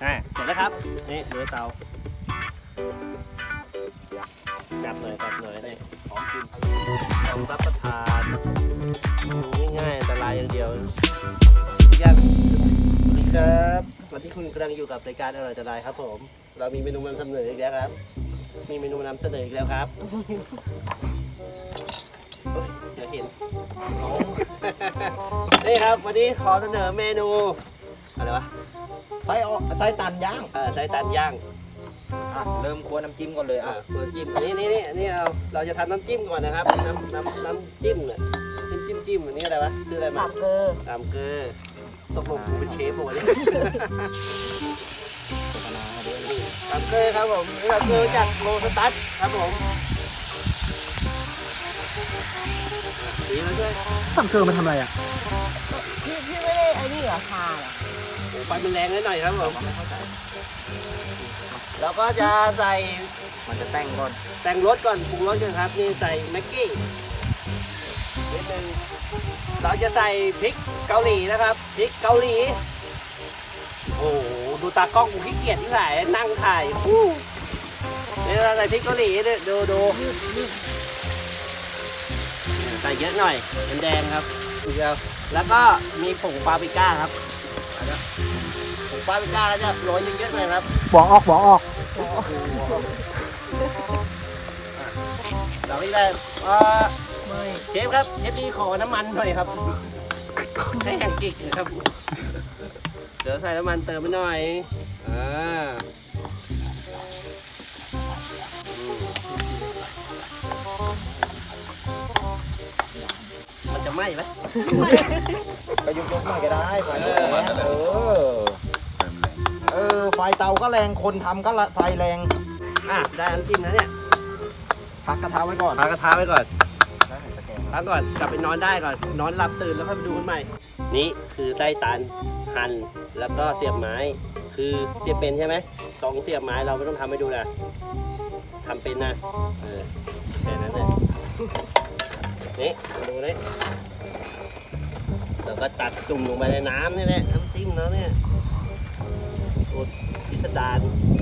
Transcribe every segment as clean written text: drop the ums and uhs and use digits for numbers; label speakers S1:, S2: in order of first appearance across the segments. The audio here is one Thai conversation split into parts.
S1: เสร็จแล้วครับนี่ดูเตาจับหน่อยนี่หอมกินลองรับประทานง่ายๆอันตรายอย่างเดียวยังสวัสดีครับวันที่คุณกำลังอยู่กับรายการอร่อยอันตรายครับผมเรามีเมนูนำเสนออีกแล้วครับมีเมนูนำเสนออีกแล้วครับเดี๋ยวเห็นนี่ครับวันนี้ขอเสนอเมนูอะไรวะ
S2: ไส้ตันย่าง
S1: ไส้ตันย่าง
S2: เริ่มคั่วน้ำจิ้มก่อนเลย
S1: คั่วน้ำจิ้มนี่เราจะทำน้ำจิ้มก่อนนะครับน้ำจิ้มเนี่ยจิ้มอันนี้อะไรวะคืออะไรมาตามเกลือตกลงกูเป็นเชฟหมดเลยตามเกลือครับผมตามเกลือจากโลสตัสครับผมดีแล้วด้วย
S2: ตามเกลือมันทำอะไรอ่ะ
S3: พี่ไม่ได้ไอ้นี่เหรอค่ะ
S1: ไฟมันแรงนิดหน่อยครับผมแล้วก็จะใส่
S2: มันจะแต่งก่อน
S1: แต่งรสก่อนปรุงรสกันครับนี่ใส่แม็กกี้นิดนึงเราจะใส่พริกเกาหลีนะครับพริกเกาหลีโอ้โหดูตากล้องกูขี้เกียจที่ไหนนั่งถ่ายนี่เราใส่พริกเกาหลีดูใส่เยอะหน่อยแดงครับแล้วก็มีผงปาปริก้าครับผงปาปริก้าแล้วจะโรยเยอะๆหน่อยครับ
S2: บอกออก
S1: เราไม่ได้เชฟครับเชฟดีขอน้ำมันหน่อยครับให้แห้งกิ๊กนะครับเดี๋ยวใส่น้ำมันเติมไปหน่อยมันจะไหม้ไหม
S2: ก็ยกหน่อยก็ได้ไฟไฟเตาก็แรงคนทำก็ไฟแรง
S1: ได้น้ำจิ้มนะเนี่ย
S2: พักกระทะไว้ก่อน
S1: พักก่อนกลับไปนอนได้ก่อนนอนหลับตื่นแล้วค่อยไปดูกันใหม่นี่คือไส้ตันหั่นแล้วก็เสียบไม้คือเสียบเป็นใช่ไหมต้องเสียบไม้เราไม่ต้องทำให้ดูนะทำเป็นนะแค่นั้นเลยนี่ดูนี่แล้วก็ตัดจุ่มลงไปในน้ำนี่แหละน้ำจิ้มแล้วเนี่ยโอ้พิสดาร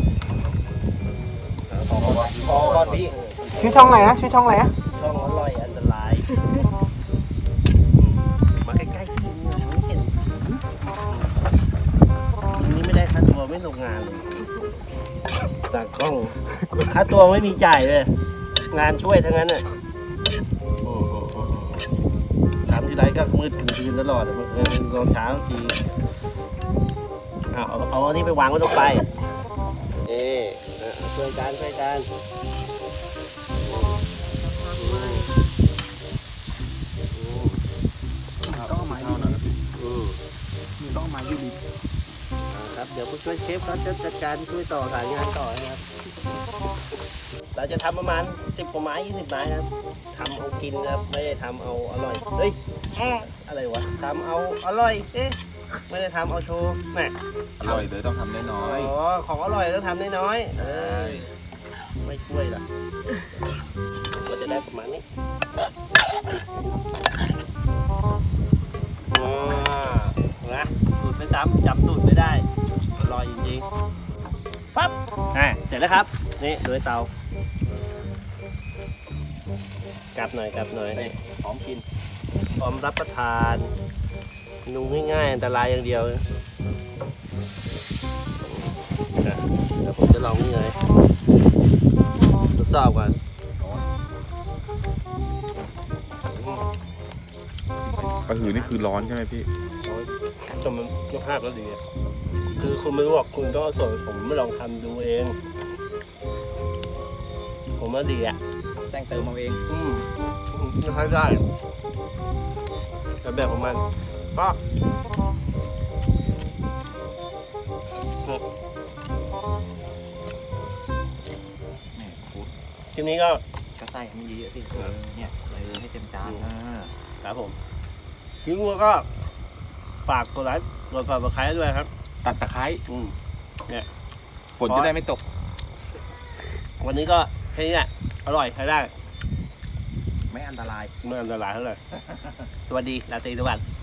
S2: พอก่อนพี่ชื่อช่องอะไรนะช่องอ
S1: ร่อยอันตรายมาใกล้ๆที่นี่ไม่เห็นนี่ไม่ได้ค่าตัวไม่ลงงานเลยตากล้องค่าตัวไม่มีจ่ายเลยงานช่วยทั้งนั้นน่ะทำทีไรก็มืดถึงคืนตลอดตอนเช้าทีเอาอันนี้ไปวางไว้ลงไปช่วยกัน
S2: ต้องมาอยู่ต้องมาอยู่ดี
S1: ครับเดี๋ยวผู้ช่วยเชฟเขาจะจัดการช่วยต่อสายงานต่อนะครับเราจะทำประมาณ10 กว่าไม้20 ไม้ครับทำเอากินครับไม่ได้ทำเอาอร่อยเฮ้ยอะไรวะทำเอาอร่อยไม่ได้ทำเอาโชว์แม่
S2: อร่อยเลยต้องทำน้อย
S1: ของอร่อยต้องทำน้อยไม่ช่วยล่ะก็จะได้ประมาณนี้นะสูตรไม่ซ้ำจำสูตรไม่ได้อร่อยจริงๆปั๊บเสร็จแล้วครับนี่ดูเตากลับหน่อยนี่หอมกินพร้อมรับประทานนูง่ายๆอันตรายอย่างเดียวแล้วผมจะลองนี่เลยทดสอบก่อน
S4: กระหือนี่คือร้อนใช่ไหมพี่
S1: จนมันยกภาพแล้วดีคือคุณไม่บอกคุณต้องส่วนผมไม่ลองทำดูเองผมว่าดี
S2: แต่งเติมเอาเอง
S1: ใช้ได้แต่แบบของมันก็ทีนี้ก็
S2: ใส่ให้เยอะสิเนี่ยให้เต็มจาน
S1: ครับผมทิ้งแล้วก็ฝากกดไลค์กด Subscribe ด้วยครับ
S4: ตัดตะไคร้
S1: เนี่ย
S4: ฝนจะได้ไม่ตก
S1: วันนี้ก็แค่นี้แหละอร่อยใช้ได้
S2: ไม่อันตราย
S1: เท่าไหร่สวัสดีราตรีสวัสดิ์